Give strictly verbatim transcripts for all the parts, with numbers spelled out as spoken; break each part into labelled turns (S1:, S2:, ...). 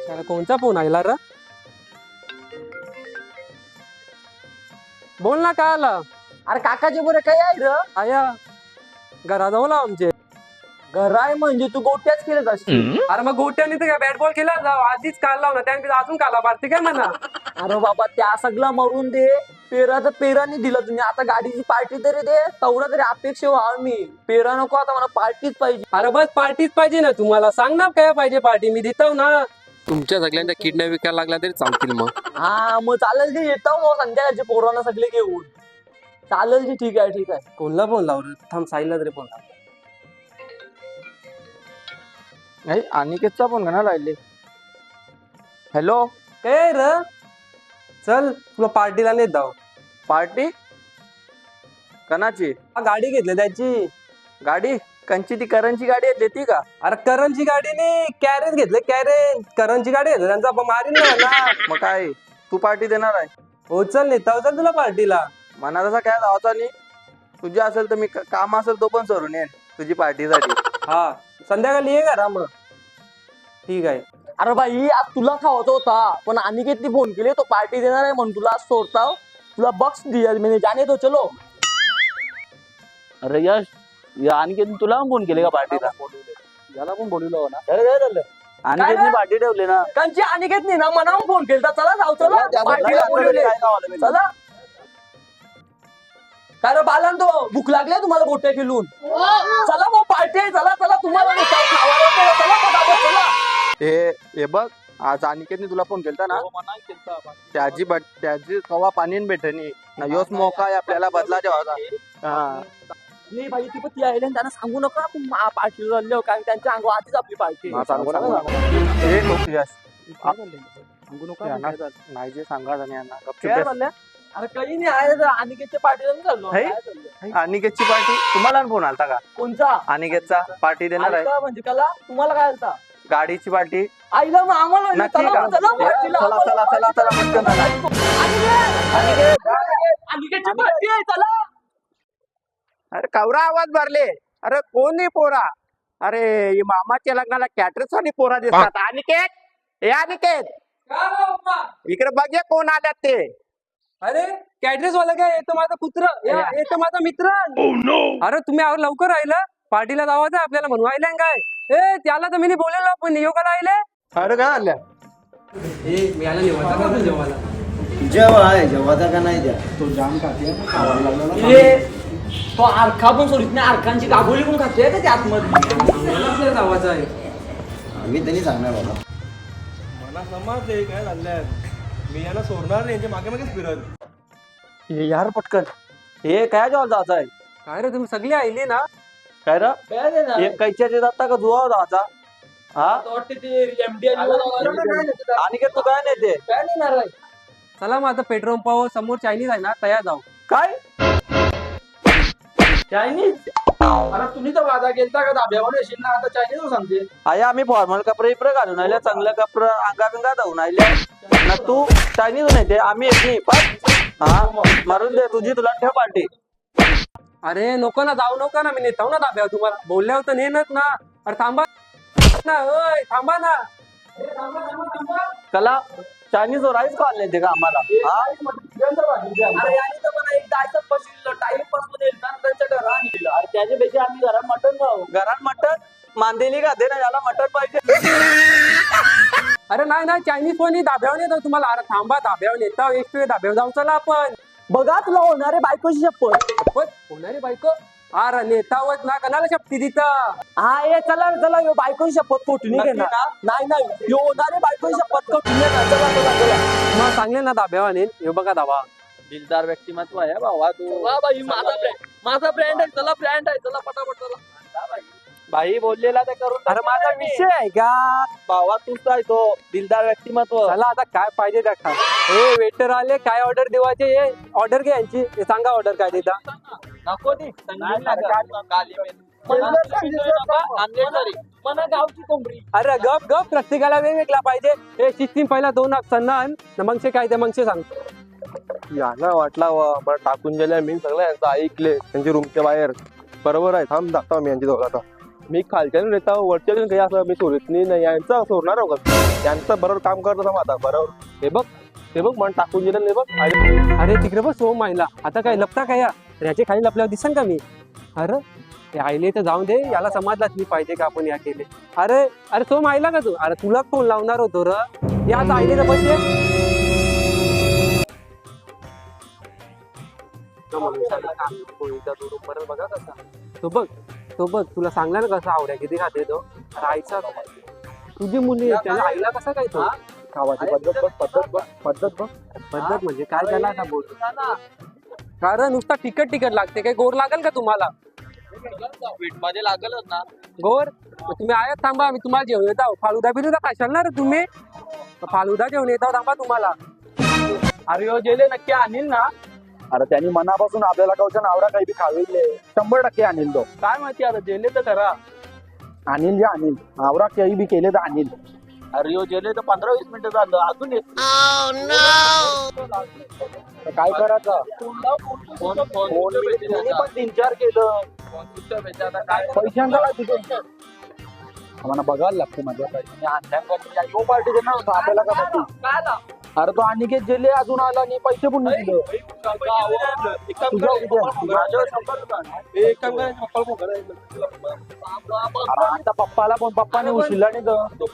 S1: त्याला कोणचा फोन आला र? बोल ना, काय आला?
S2: अरे काकाचे बरं काय आहे र?
S1: आया घराजवळ आमचे.
S2: घर आहे म्हणजे तू गोट्याच केलं असतील.
S1: अरे मग गोट्याने तर काय बॅट बॉल केला जाऊ आधीच काल लावला त्याने अजून काला पारते काय म्हणा.
S2: अरे बाबा त्या सगळा मरून दे. पेराचं पेराने दिलं तुम्ही, आता गाडीची पार्टी तरी दे. तेवढा तरी अपेक्षा व्हा. मी पेरा नको, आता मला पार्टीच पाहिजे.
S1: अरे बस पार्टीच पाहिजे ना तुम्हाला. सांग ना काय पाहिजे पार्टी, मी देतो ना.
S3: तुमच्या सगळ्यांच्या किडनॅप विकायला लागला तरी चालतील मग.
S2: हा मग चालेल की, येतो मग संध्याकाळचे पोरांना सगळे घेऊन. चालेल की, ठीक आहे ठीक आहे.
S1: कोणला फोन लाव रे? थांब साईला तरी फोन लाव.
S4: नाही अनिकेतचा फोन घ्या राहिले. हॅलो,
S1: काय र? चल तुला पार्टीला नेत जाऊ.
S4: पार्टी कणाची?
S1: हा, गाडी घेतली त्याची.
S4: गाडी कंची? ती करंची गाडी आहे ती का?
S1: अरे करणची गाडी नाही, कॅरेज घेतले कॅरेज. करणची गाडी घेतली त्यांचा मारीन ना ना.
S4: मग काय तू पार्टी देणार आहे?
S1: हो चल नेता चल तुला पार्टीला.
S4: मना तसा काय जायचा नाही. तुझी असेल तर मी काम असेल तो पण सोडून येईन तुझी पार्टीसाठी.
S1: हा संध्याकाळी ये घरा मग. ठीक आहे.
S2: अरे भाई आज तुला खावायचा होता, पण अनिकेतने फोन केले तो पार्टी देणार आहे म्हणून तुला आज सोडता. तुला बक्स दिया मैंने, जाने दो चलो.
S5: अरे यश, या अनिकेतने तुला पण फोन केले का पार्टीला?
S4: याला पण बोलवलं ना.
S2: अरे काय झालं?
S5: अनिकेतने पार्टी ठेवली ना.
S2: कांची अनिकेतने ना मनावून फोन केला. चला जाऊ, चला पार्टीला बोलवले. चला काय रे बालन, तो भूक लागली तुम्हाला गोट्या खेळून? चला मग पार्टी आहे. चला चला, तुम्हाला नाही काय खावायला केलं. चला पटापट चला.
S4: हे हे बघ, आज अनिकेतने तुला फोन केलता ना. त्याची बट त्याची कवा पाणी भेटणी ना. योच मोका आहे आपल्याला बदला जेव्हा. हा
S2: नाही भाई, ती पण ती आहे त्यांना सांगू नका आपण पार्टीला चाललो, कारण त्यांच्या अंगावर आधीच आपली पार्टी.
S4: हा, सांगू नका. हे लोक यश सांगू नका. नाही जे सांगा यांना गपचूप बस.
S2: अरे काही नाही आहे, अनिकेतच्या पार्टीला नाही चाललो.
S4: है?
S2: काय चाललंय?
S4: अनिकेतची पार्टी तुम्हाला फोन आलता का?
S2: कोणचा?
S4: अनिकेतचा पार्टी देणार आहे.
S2: आलता म्हणजे कला तुम्हाला काय आलता?
S4: गाडीची पार्टी
S2: आईला मग आम्हाला म्हणजे
S4: नक्की
S2: चला,
S4: का?
S2: चला पार्टीला.
S4: चला चला चला चला पटकन चला.
S2: अनिकेत, अनिकेत, अनिकेतची पार्टी आहे, चला.
S4: अरे कवरा आवाज भरले. अरे कोण नाही पोरा? अरे ही मामाच्या लग्नाला कॅटरस आणि पोरा दिसतात. अनिकेत, हे अनिकेत इकडे बघ ये कोण आल्यात ते.
S1: अरे कॅटरेस वाला काय? येतो माझा पुत्र, येतो माझा मित्र. अरे तुम्ही आवर लवकर राहिलं. पार्टीला जावायचं आपल्याला म्हणून आयला काय? ए त्याला तर मी बोलेलो पण योगा राहिले.
S4: अरे काय आल्या?
S1: ए मी याला निवांता का तू जेवायला?
S6: जेव्हा आहे जेव्हा का नाही द्या.
S2: ए, तो आरखा पण सोडित नाही. आरखांची गाभोली पण खातोय का त्या आतमध्ये?
S1: मला आपल्याला जावायचं आहे.
S6: आम्ही त्यांनी सांगणार बाबा.
S7: मला समजले काय झालंय. मी याला सोडणार नाही, यांच्या मागे मागेच फिरत.
S4: हे यार पटकन. हे काय जेव्हा जायचं आहे?
S1: काय रे तुम्ही सगळे आईले ना?
S4: काय रे?
S2: काय देणार?
S4: हे कैच्याचे जाता का जुवा जायचा? हा
S2: तो वाटते ते एमडी
S4: अनिकेत तू काय नाही ते?
S2: काय देणार आहे?
S1: चला मग आता पेट्रोल पंपावर समोर चायनीज आहे ना, तयार जाऊ.
S4: काय
S2: चायनीज? अरे तुम्ही तर वादा केलता का धाब्यावर येशील ना, आता चायनीज सांगते.
S4: आया आम्ही फॉर्मल कपडे इपडे घालून आल्या, चांगलं कपडे अंगा बिंगा धावून आल्या ना. तू चायनीज नाही ते आम्ही एक नाही पण. हा मारून दे तुझी, तुला ठेव पार्टी.
S1: अरे नको ना, जाऊ नको ना, मी नेताव ना दाब्यावर. तुम्हाला बोलल्यावर तर नेनच ना. अरे थांबा ना, ओय थांबा ना.
S4: कला चायनीज वर राईस खाल्ले ते का आम्हाला? हा
S2: अरे याने तर मला एक जायचं बसलेलं टाइम पास मध्ये त्यांच्या घरा आणलेलं.
S5: अरे त्याच्यापेक्षा आम्ही घरात मटण खाऊ.
S4: घरात मटण मांदेली का दे ना, याला मटण पाहिजे.
S1: अरे नाही नाही, चायनीज कोणी दाब्यावर नेतो तुम्हाला. अरे थांबा, दाब्यावर नेता एक दाब्यावर जाऊ. चला आपण.
S2: बघा तुला होणारे बायकोची शपथ.
S1: शपथ होणारी बायको? अरे नेतावच ना, कणाला शपथी तिथं.
S2: हा ये चला चला, यो बायकोची शपथ कोठून
S1: नक्की
S2: घेणार?
S1: ना?
S2: नाही नाही, यो होणारे बायकोची शपथ कोठून घेणार? चला चला चला.
S1: मग चांगले ना दाब्यावर नेन. हे बघा दाबा.
S5: दिलदार व्यक्तिमत्व आहे भावा तू.
S2: वा बाई, माझा ब्रँड माझा ब्रँड आहे. चला ब्रँड आहे, चला पटापट चला.
S4: भाई बोललेला ते करून.
S1: अरे माझा विषय आहे का?
S4: भावा तूच आहे तो दिलदार व्यक्तिमत्व.
S1: चला आता काय पाहिजे त्या खा. हे वेटर आले, काय ऑर्डर देवायचे? हे ऑर्डर घ्या यांची. हे सांगा ऑर्डर काय देता.
S2: नको ती
S5: नाही लागत. काली
S2: मना गावची कोंबडी.
S1: अरे गप गप, प्रत्येकाला वेगवेगळा पाहिजे. हे सिस्टीम पहिला दोन सन्ना आण, मगशे काय ते मगशे सांगतो.
S7: याला वाटला वा बरं टाकून गेल्या. मी सगळं यांचं ऐकले त्यांच्या रूमच्या बाहेर. बरोबर आहे, थांब दाखवा मी यांची दोघं आता. मी खालच्यानं येतो वरच्या काही असं मी चोरीत नाही यांचं चोरणार आहो का यांचं बरोबर काम करतो ना आता बरोबर हे बघ हे बघ मन टाकून दिलं नाही बघ आणि
S1: अरे तिकडे बघ सोम आईला आता काय लपता काय या याच्या खाली लपल्यावर दिसन का मी अरे ते आईले तर जाऊन दे याला समाजलाच मी पाहिजे का आपण या केले अरे अरे सोम आईला का तू अरे तुला फोन लावणार होतो र या आता आईले तर पाहिजे बघा कसा तो बघ तो बघ तुला सांगला ना कसा आवड्या किती खाते तो अरे आईचा तुझी मुली त्याला आईला कसा काय तो
S7: खावाची पद्धत बघ पद्धत बघ पद्धत बघ
S1: पद्धत म्हणजे काय त्याला का बोलतो कारण नुसता तिकट तिकट लागते काय गोर लागेल का तुम्हाला
S5: स्वीट मध्ये लागलच ना
S1: गोर मग तुम्ही आयात थांबा मी तुम्हाला जेवण येत आहो फालुदा बिलुदा खाशाल ना रे तुम्ही फालुदा जेवण येत आहो थांबा तुम्हाला
S5: अरे हो जेले नक्की आणील ना
S7: अरे त्यांनी मनापासून आपल्याला कवच्या आवडा काही बी खाविले शंभर टक्के आणील तो
S5: काय माहिती आता जेले तर करा
S7: आणील जे आणील आवडा काही बी केले तर आणील
S5: अरे हो जेले तर पंधरा वीस मिनिटं झालं अजून येत
S7: तर काय करायचं
S5: फोन फोन
S7: त्यांनी पण तीन चार केलं
S5: काय
S7: पैशांचा काय तिथे आम्हाला बघायला लागतं माझ्या यो पार्टी देणार होता आपल्याला का माहिती अरे तो अनिकेत जेले अजून आला आणि पैसे पण नाही दिले अरे आता पप्पाला पण पप्पाने उशिला नाही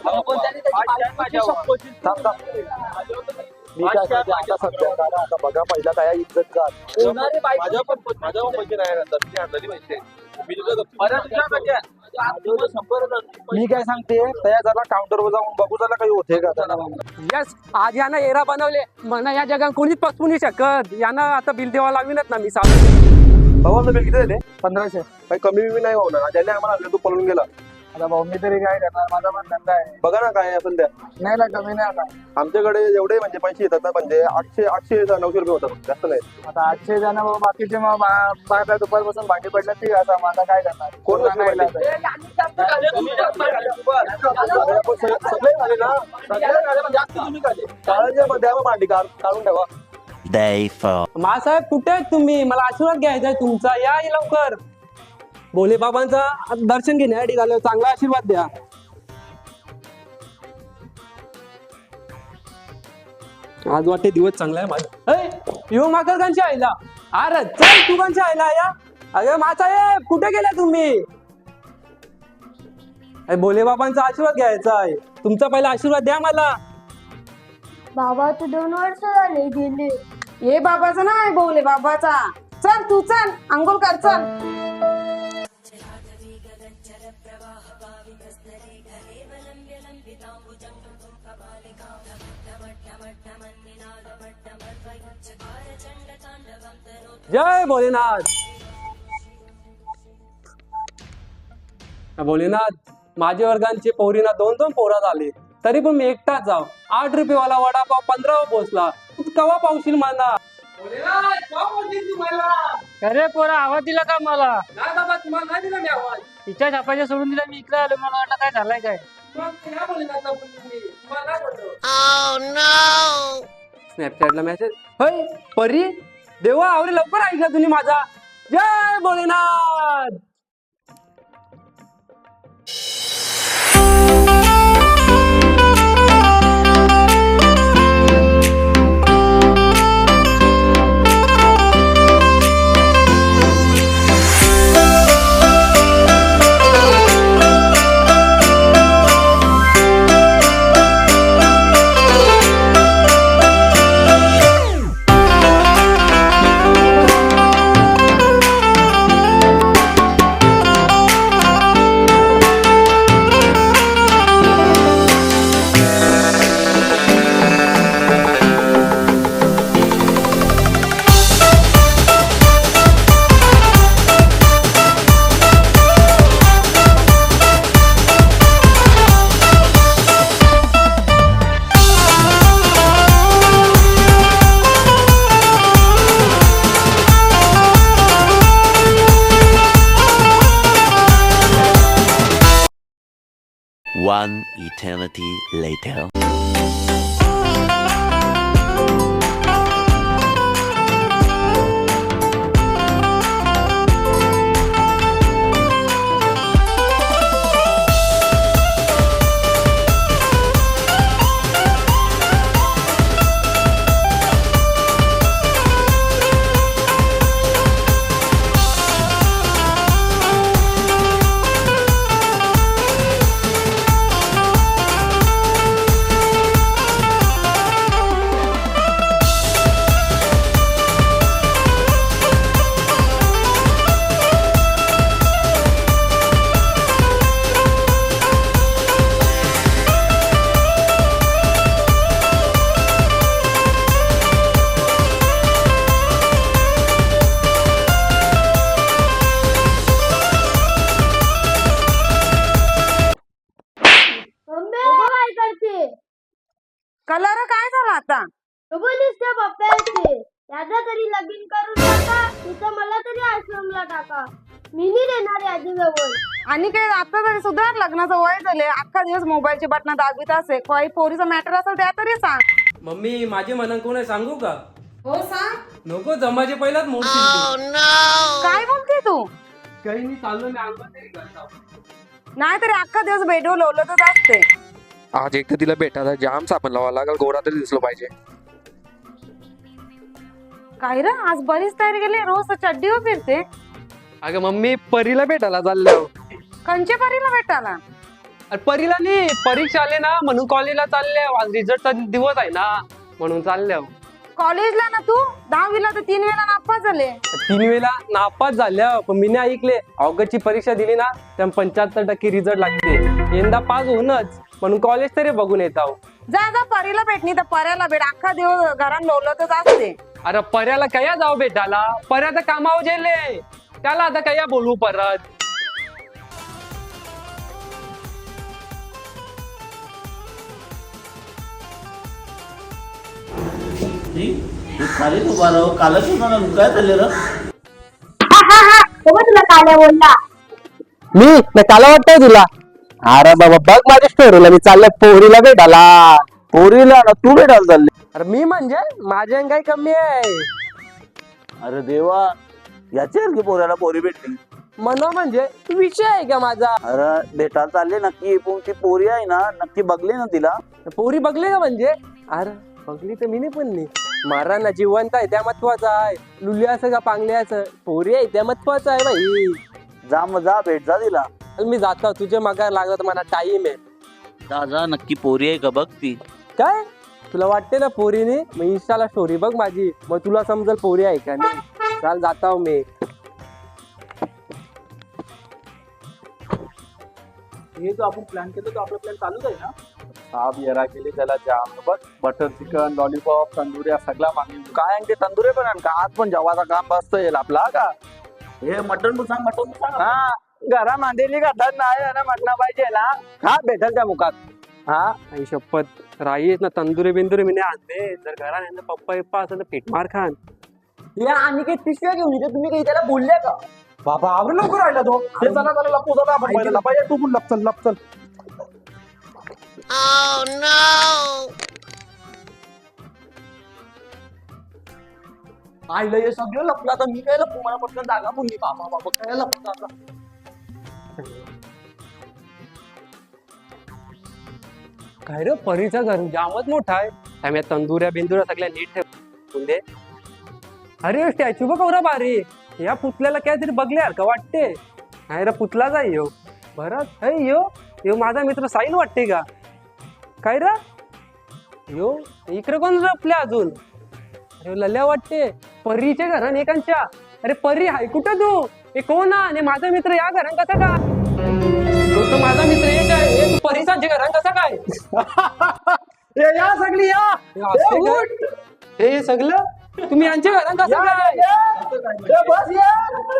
S7: मी काय सांगते आता सध्या करा आता बघा पहिला काय इज्जत जात
S5: माझ्या पण माझ्या पण पैसे नाही राहतात मी आणलेले पैसे मी तुझं
S7: मी काय सांगते त्या जरा काउंटरवर जाऊन बघू जरा काही होते का त्याला
S1: यस आज यानं एरा बनवले म्हणा या जगात कोणीच पसवू नाही शकत यानं आता बिल देवा लागवीनच ना मी सांग
S7: भाऊ बिल किती दिले पंधराशे काही कमी बी नाही होणार ज्याने आम्हाला आणलं तू पळून गेला आता भाऊ मी तरी काय करणार माझा पण धंदा आहे बघा ना काय असेल त्या नाही ना कमी नाही आता आमच्याकडे एवढे म्हणजे पैसे येतात ना म्हणजे आठशे आठशे नऊशे रुपये होतात जास्त नाही आता आठशे जण बाकीचे मग बारा दुपारपासून भांडी पडलं ती आता माझा काय करणार कोण सगळे झाले ना सगळे जास्त तुम्ही काढले भांडी काढून ठेवा
S1: मासाहेब कुठे आहेत तुम्ही मला आशीर्वाद घ्यायचा आहे तुमचा या लवकर भोले बाबांचा दर्शन घेण्यासाठी झालं चांगला आशीर्वाद द्या आज वाटते दिवस चांगला आहे माझा यो माकर कांची आईला अरे चल तू कांची आईला या अरे मासाहेब कुठे गेला तुम्ही अरे भोले बाबांचा आशीर्वाद घ्यायचा आहे तुमचा पहिला आशीर्वाद द्या मला
S8: बाबा तू दोन वर्ष झाले गेले ये बाबाचा नाही बोले बाबाचा चल तू चल अंघोळ कर चल
S1: जय भोलेनाथ भोलेनाथ माझ्या वर्गांची पोरीना दोन दोन पोरा झाली तरी पण मी एकटाच जाव आठ रुपयेवाला वडापाव पंधरा पोचला तू कवा पावशील मला
S5: अरे पोरा आवाज दिला का मला
S1: नाही बाबा तुम्हाला नाही दिला मी आवाज
S5: तिच्या छापाच्या सोडून दिला मी इकडे आलो मला वाटलं काय झालंय काय
S1: स्नॅपचॅटला मेसेज होय परी देवा आवरे लवकर ऐकला तुम्ही माझा जय Bholenath
S9: One eternity later.
S8: Colour काय झाला आता?
S10: त्या पप्प्याचे याचा तरी लगीन करून टाका, तिथं मला तरी आश्रमला टाका. मी नाही देणार याची जवळ.
S8: आणि काय आता तरी सुद्धा लग्नाचं वय झाले, अख्खा दिवस मोबाईलची बटणं दाबीत असे. काही पोरीचा मॅटर असेल त्या तरी सांग.
S1: मम्मी माझे म्हणून कोण आहे सांगू का?
S8: हो सांग.
S1: नको जमाचे पहिलाच मोठी
S8: काय बोलते तू?
S1: काही नाही चाललो मी अंगात तरी घालतो.
S8: नाही तरी अख्खा दिवस बेडवर लोलतच असते.
S3: आज एक तर तिला भेटायला जाम साबण लावा लागल, गोरा तरी दिसलो पाहिजे.
S8: काय रे आज बरीच तयारी केली, रोज चड्डीवर फिरते.
S1: अगं मम्मी परीला भेटायला चाललो.
S8: कंचे परीला भेटायला?
S1: अरे परीला नाही, परीक्षा आले ना म्हणून कॉलेजला चालले. आज रिझल्टचा दिवस आहे ना म्हणून चालल्या.
S8: कॉलेजला ना तू दहावीला तर तीन वेळा नापास झाले.
S1: तीन वेळा नापास झाल्या, पण मी नाही ऐकले. ऑगस्टची परीक्षा दिली ना त्या पंच्याहत्तर टक्के रिझल्ट लागते. यंदा पास होऊनच म्हणून कॉलेज तरी बघून येत आहो.
S8: जा जा परीला भेटणी तर पर्याला भेट, अख्खा दिवस घरात लोलतच असते.
S1: अरे पर्याला कया जाऊ भेटायला, पर्या तर कामावर गेले. त्याला आता कया बोलू परत.
S6: खाली उभा राहू, कालच मला काय झाले र?
S10: तुला काल्या बोलला
S1: मी नाही काला वाटतंय तुला? अरे बाबा बघ माझ्या स्टोरीला मी चाललंय पोरीला भेटायला.
S6: पोरीला ना तू भेटायला चालले?
S1: अरे मी म्हणजे माझ्या काही कमी आहे.
S6: अरे देवा, याची की पोऱ्याला पोरी भेटली.
S1: मनो म्हणजे विषय आहे का माझा?
S6: अरे भेटायला चालले नक्की, पण ती पोरी आहे ना नक्की बघली ना तिला?
S1: पोरी बघली का म्हणजे? अरे बघली तर मी नाही पण नाही. मारा ना जिवंत आहे त्या महत्वाचं आहे. लुल्या असं का पांगल्याचं, पोरी आहे त्या महत्वाचं आहे भाई.
S6: जा मग जा, भेट जा तिला.
S1: मी जातो, तुझे मागा लागला तर मला टाइम आहे.
S6: जा जा, नक्की पोरी आहे का बघ ती.
S1: काय तुला वाटते ना पोरीने? मग इंस्टाला स्टोरी बघ माझी, मग तुला समजेल पोरी आहे का नाही. चाल जाता हो मी.
S5: हे जो आपण प्लॅन केलं तो आपला प्लॅन चालूच आहे ना. साप येरा केली त्याला जाम बघ, बटर चिकन लॉलीपॉप तंदुऱ्या सगळा मागणी.
S6: काय आणि ते तंदुरे पण आण का, आज पण जेवाचा काम बसत येईल आपला का. हे मटन सांग, मटन सांग.
S4: हा घरा मांदेली का धन नाही ना म्हटलं पाहिजे ना. हा भेटल त्या मुखात.
S1: हा आई शपथ राईस ना तंदुरी बिंदुरी मी नाही आणले. जर घरा नाही पप्पा पप्पा असं पीठ मार खान.
S2: या आणि काही पिशव्या घेऊन येते, तुम्ही काही त्याला बोलले का?
S7: बाबा आवड लवकर राहिला तो. हे चला चला लपू चला, आपण पहिले लपाय. तू पण लप चल लप चल.
S2: आईला हे सगळं लपलं, आता मी काय लपू? मला पटकन जागा पुरली. बाबा बाबा काय लपलं आता?
S1: काय रे परीचा घर जामच मोठा आहे. त्यामुळे तंदुऱ्या बिंदुऱ्या सगळ्या नीट ठेवून दे. अरे स्टॅच्यू बघ कवरा भारी. या पुतल्याला काय तरी बघल्यासारखं वाटते. नाही रे पुतलाच आहे यो. बरं हे यो यो माझा मित्र साहिल वाटते का काय रे? यो इकडे कोण लपल्या अजून? अरे लल्या वाटते परीच्या घरान एकांच्या. अरे परी हाय कुठं तू? हे कोण आणि माझा मित्र या घरान कसा का? तो तर माझा मित्र एक आहे. हे तू परीसांच्या घरान कसा काय?
S7: ए या सगळी या.
S1: हे उठ. हे सगळं तुम्ही यांच्या घरान कसं काय?
S7: ए बस या.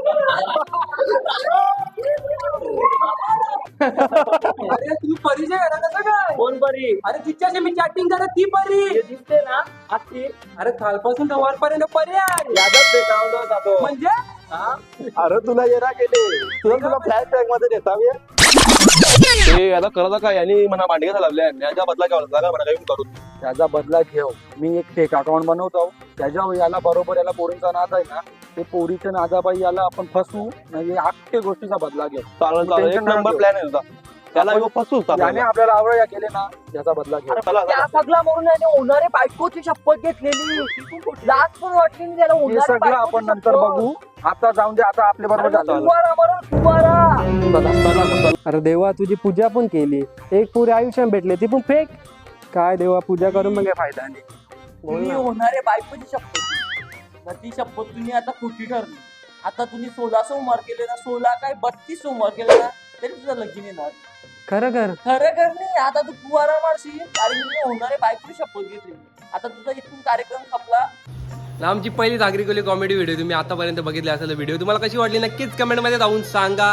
S1: अरे तुम्ही परीच्या घरान कसं काय?
S2: कोण परी?
S1: अरे तिच्याशी मी चॅटिंग करत ती परी.
S2: हे दिसते ना आत्ती.
S1: अरे कालपासून तर वरपर्यंत परी आहे.
S7: यादच भेटावला जातो.
S1: म्हणजे
S7: अरे तुला येरा गेले, तुला तुला फ्लॅश बॅग मध्ये देता मी.
S5: ते याला करता काय यांनी म्हणा मांडगे लावल्या. याच्या बदला घ्यावा जागा म्हणा काही करून.
S7: त्याचा बदला घेऊ. मी एक फेक अकाउंट बनवतो, त्याच्यावर याला बरोबर याला पोरींचा नाद आहे ना, ते पोरीच्या नादाबाई याला आपण फसवू म्हणजे अख्ख्या गोष्टीचा बदला घेऊ.
S5: चालेल चालेल, एक नंबर प्लॅन आहे तुझा. त्याला ह्यो फसू
S7: याने आपल्याला आवडया केले ना, याचा बदला घेऊ.
S2: त्या सगळा म्हणून याने होणारे बायकोची शपथ घेतलेली. लाज पण वाटली नाही त्याला.
S7: हे
S2: होणारे
S7: सगळं
S2: बायकोची
S7: आपण नंतर
S2: शपथ.
S7: बघू. आता जाऊन दे, आता आपल्या बरोबर
S2: अरे
S7: झालं.
S2: कुंभारा मरण कुंभारा.
S1: अरे देवा तुझी पूजा पण केली. एक पुरे आयुष्यात भेटले ती पण फेक. काय देवा पूजा करून मग काय फायदा नाही. बोल
S2: तुम्ही
S1: ना.
S2: होणारे बायकोची शपथ, ती शपथ तुम्ही आता खोटी ठरली. आता तुम्ही सोळा सोमवार केले ना, सोळा काय बत्तीस सोमवार केले ना, तरी तुझं लगीन येणार.
S1: खरं कर.
S2: खरं कर नाही. आता तू कुवारा मारशील कारण तुम्ही होणारे बायकोची शपथ घेतली. आता तुझा इथून कार्यक्रम संपला.
S3: आमची पहिली नागरिकली कॉमेडी व्हिडिओ तुम्ही आतापर्यंत बघितली असेल. व्हिडिओ तुम्हाला कशी वाटली नक्कीच कमेंटमध्ये जाऊन सांगा.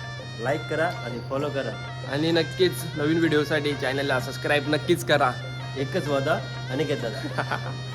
S6: लाईक करा आणि फॉलो करा.
S3: आणि नक्कीच नवीन व्हिडिओसाठी चॅनलला सबस्क्राईब नक्कीच करा. एकच वादा आणि घेतात